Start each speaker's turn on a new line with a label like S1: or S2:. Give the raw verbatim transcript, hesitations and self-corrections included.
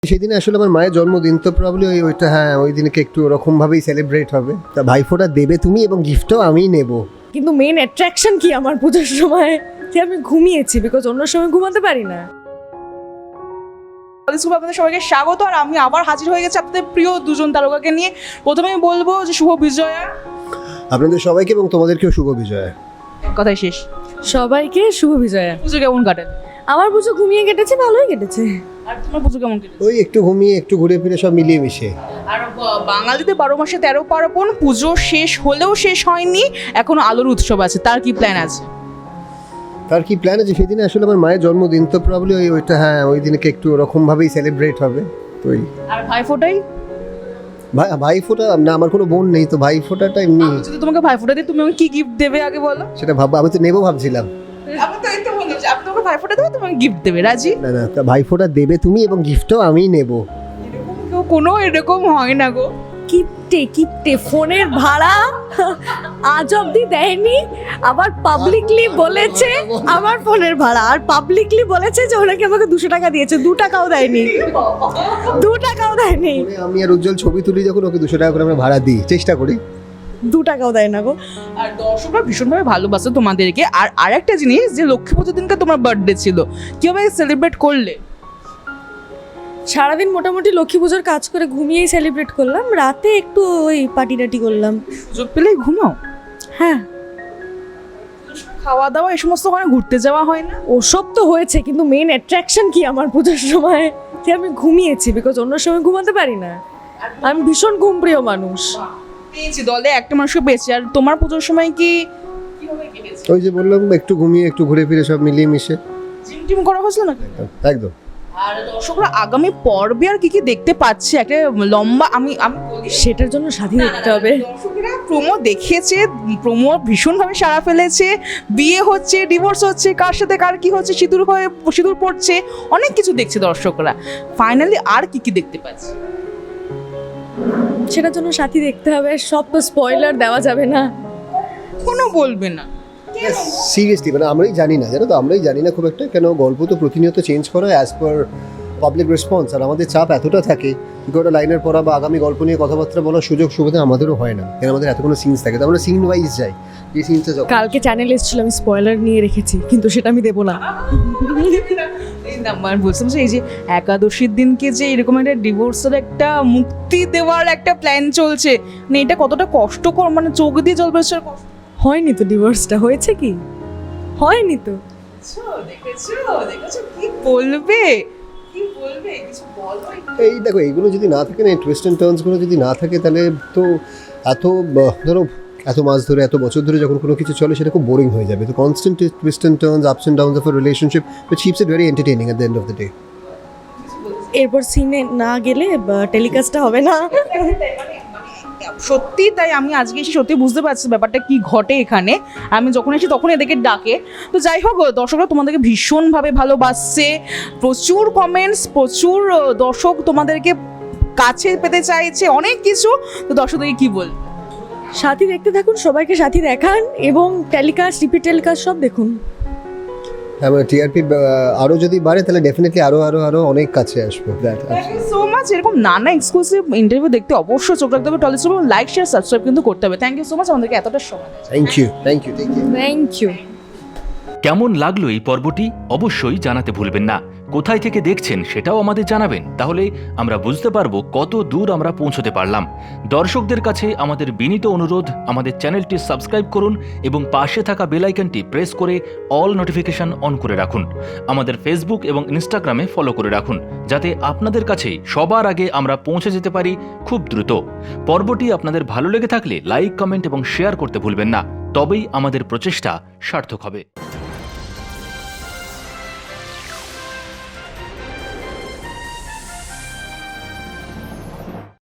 S1: সেদিনে আসলে আমার মায়ের জন্মদিন, তো প্রবলি ওই ওইটা হ্যাঁ ওই দিনকে একটু ওরকমভাবেই সেলিব্রেট হবে। তা ভাইফোঁটা দেবে তুমি এবং গিফটও আমিই নেব।
S2: কিন্তু মেইন অ্যাট্রাকশন কি আমার পুজোর সময় যে আমি ঘুমিয়েছি, বিকজ অন্য সময় ঘুমাতে পারি না।
S3: আপনাদের সবাইকে স্বাগত। আর আমি আবার হাজির হয়ে গেছি আপনাদের প্রিয় দুজন তারকাকে নিয়ে। প্রথমে আমি বলবো যে শুভ বিজয়া।
S1: আপনাদের সবাইকে এবং তোমাদেরকেও শুভ বিজয়া।
S3: কথাই শেষ।
S2: সবাইকে শুভ বিজয়া।
S3: পুজো কেমন কাটে?
S2: আমার পুজো ঘুমিয়ে কেটেছে, ভালোই কেটেছে।
S3: আর তোমার পুজো কেমন কেটেছে?
S1: ওই একটু ঘুমিয়ে একটু ঘুরে ফিরে সব মিলিয়ে মিশে।
S3: আর ব- বাঙালিতে বারো মাসে তেরো পার্বণ, পুজো শেষ হলেও শেষ হয়নি, এখনো আলোর উৎসব আছে। তার কি প্ল্যান আছে?
S1: তার কি প্ল্যান আছে? সেদিনে আসলে আমার মায়ের জন্মদিন, তো প্রবলি ওই ওইটা হ্যাঁ ওই দিনকে একটু ওরকমভাবেই সেলিব্রেট হবে। তো ওই
S3: আর ভাই ফোটাই?
S1: ভাই ভাইফোঁটা না, আমার কোনো বোন নেই, তো ভাইফোঁটাটা এমনি
S3: যদি তোমাকে ভাই ফোটা দিই, তুমি আমাকে কি গিফট দেবে আগে বলো?
S1: সেটা ভাব, আমি তো নেবো ভাবছিলাম।
S3: আমি তো এই তো বললাম যে আপনি তোমাকে ভাই ফোটা দেবে, তোমাকে গিফট দেবে। রাজি?
S1: না না, তা ভাইফোঁটা দেবে তুমি এবং গিফটও আমিই নেব।
S3: এরকম কেউ কোনো এরকম হয় না গো।
S2: কিপটে কিপটে ফোনের ভাড়া আজ অব্দি দেয়নি, আবার পাবলিকলি বলেছে আমার ফোনের ভাড়া, আর পাবলিকলি বলেছে যে ওনাকে আমাকে দুশো টাকা দিয়েছে, দু টাকাও দেয়নি, দু টাকাও দেয়নি,
S1: আমি আর উজ্জ্বল ছবি তুলি যখন, ওকে দুশো টাকা করে আমরা ভাড়া দিই, চেষ্টা করি।
S2: দু টাকাও দেয় না গো।
S3: আর দর্শকরা ভীষণভাবে ভালোবাসে তোমাদেরকে। আর আরেকটা জিনিস, যে লক্ষ্মী পুজোর দিনকে তোমার বার্থডে ছিল, কিভাবে সেলিব্রেট করলে?
S2: সারাদিন মোটামুটি লক্ষ্মী পুজোর কাজ করে ঘুমিয়েই সেলিব্রেট করলাম, রাতে একটু ওই পার্টি টাটি করলাম।
S3: সুযোগ পেলেই ঘুমাও?
S2: হ্যাঁ,
S3: খাওয়া দাওয়া এই সমস্ত ওখানে ঘুরতে যাওয়া হয় না?
S2: ওসব তো হয়েছে, কিন্তু মেইন অ্যাট্রাকশন কি আমার পুজোর সময় যে আমি ঘুমিয়েছি, বিকজ অন্য সময় ঘুমাতে পারি না। আমি ভীষণ ঘুমপ্রিয় মানুষ।
S3: পেয়েছি, দলে একটা মানুষকে পেয়েছি। আর তোমার পুজোর সময় কি কিভাবে কেটেছে?
S1: ওই যে বললাম একটু ঘুমিয়ে একটু ঘুরে ফিরে সব মিলিয়ে মিশে।
S3: জিম টিম করা হয়েছিল নাকি?
S1: একদম।
S3: আর দর্শকরা আগামী পর্বে আর কি কি দেখতে পাচ্ছে, একটা লম্বা আমি আমি বলি
S2: সেটার জন্য স্বাধীন দেখতে হবে।
S3: দর্শকেরা প্রোমো দেখেছে, প্রোমো ভীষণভাবে সাড়া ফেলেছে। বিয়ে হচ্ছে, ডিভোর্স হচ্ছে, কার সাথে কার কি হচ্ছে, সিঁদুর হয়ে সিঁদুর পড়ছে, অনেক কিছু দেখছে দর্শকরা। ফাইনালি আর কি কি দেখতে পাচ্ছে?
S2: সেটার জন্য সাথী দেখতে হবে, সব তো স্পয়লার দেওয়া যাবে না।
S3: কোনো বলবে না।
S1: সিরিয়াসলি মানে আমরাই জানি না, জানো তো, আমরাই জানি না খুব একটা, কেন গল্প তো প্রতিনিয়ত চেঞ্জ করা হয় অ্যাজ পার পাবলিক রেসপন্স। আর আমাদের চাপ এতটা থাকে, কি করে লাইনের পড়া বা আগামী গল্প নিয়ে কথাবার্তা বলার সুযোগ সুবিধা আমাদেরও হয় না, কেন আমাদের এত কোনো সিনস থাকে, তো আমরা সিন ওয়াইজ যাই। এই সিনটা যখন
S2: কালকে চ্যানেলে এসেছিল, আমি স্পয়লার নিয়ে রেখেছি, কিন্তু সেটা আমি দেবো না।
S3: এই নাম্বার বলছিলাম যে এই যে একাদশীর দিনকে যে এরকম একটা ডিভোর্সের একটা মুক্তি দেওয়ার একটা প্ল্যান চলছে, মানে এটা কতটা কষ্টকর, মানে চোখ দিয়ে জল বেরোচ্ছে। কষ্ট
S2: হয়নি তো, ডিভোর্সটা হয়েছে কি? হয়নি তো।
S3: দেখেছো দেখেছো দেখেছো কি বলবে, কি বলবে, কিছু বলো।
S1: এই দেখো, এইগুলো যদি না থাকে না, টুইস্ট অ্যান্ড টার্নসগুলো যদি না থাকে, তাহলে তো এত ব- ধরো এত মাস ধরে এত বছর ধরে যখন কোনো কিছু চলে, সেটা খুব বোরিং হয়ে যাবে। তো constant twist and turns, ups and downs of a relationship which keeps it very entertaining at the end of the day.
S2: এরপর সিনে না গেলে টেলিকাস্টটা হবে না।
S3: সত্যি তাই আমি আজকে এসে সত্যি বুঝতে পারছি ব্যাপারটা কি ঘটে এখানে। আমি যখন এসে তখন এদেরকে ডাকে। তো যাই হোক, দর্শকরা তোমাদেরকে ভীষণভাবে ভালোবাসছে, প্রচুর কমেন্টস, প্রচুর আহ, দর্শক তোমাদেরকে কাছে পেতে চাইছে, অনেক কিছু। তো দর্শকদেরকে কি বল?
S2: সাথী দেখতে থাকুন, সবাইকে সাথী দেখান, এবং টেলিকাস্ট, রিপিট টেলিকাস্ট সব দেখুন।
S1: হ্যাঁ, মানে টিআরপি আরও যদি বাড়ে, তাহলে ডেফিনেটলি আরও আরও আরও অনেক কাছে আসবো। That
S3: thank you so much. এরকম নানা এক্সক্লুসিভ ইন্টারভিউ দেখতে অবশ্যই চোখ রাখতে হবে টলিস্ট, এবং লাইক শেয়ার সাবস্ক্রাইব কিন্তু করতে হবে। থ্যাংক ইউ সো মাচ আমাদেরকে এতটা সময় দেওয়ার জন্য।
S1: Thank you thank you thank you
S2: thank you.
S4: কেমন লাগলো এই পর্বটি অবশ্যই জানাতে ভুলবেন না। কোথায় থেকে দেখছেন সেটাও আমাদের জানাবেন, তাহলে আমরা বুঝতে পারবো কত দূর আমরা পৌঁছতে পারলাম। দর্শকদের কাছে আমাদের বিনীত অনুরোধ, আমাদের চ্যানেলটি সাবস্ক্রাইব করুন এবং পাশে থাকা বেল আইকনটি প্রেস করে অল নোটিফিকেশন অন করে রাখুন। আমাদের ফেসবুক এবং ইনস্টাগ্রামে ফলো করে রাখুন, যাতে আপনাদের কাছেই সবার আগে আমরা পৌঁছে যেতে পারি খুব দ্রুত। পর্বটি আপনাদের ভালো লেগে থাকলে লাইক, কমেন্ট এবং শেয়ার করতে ভুলবেন না, তবেই আমাদের প্রচেষ্টা সার্থক হবে।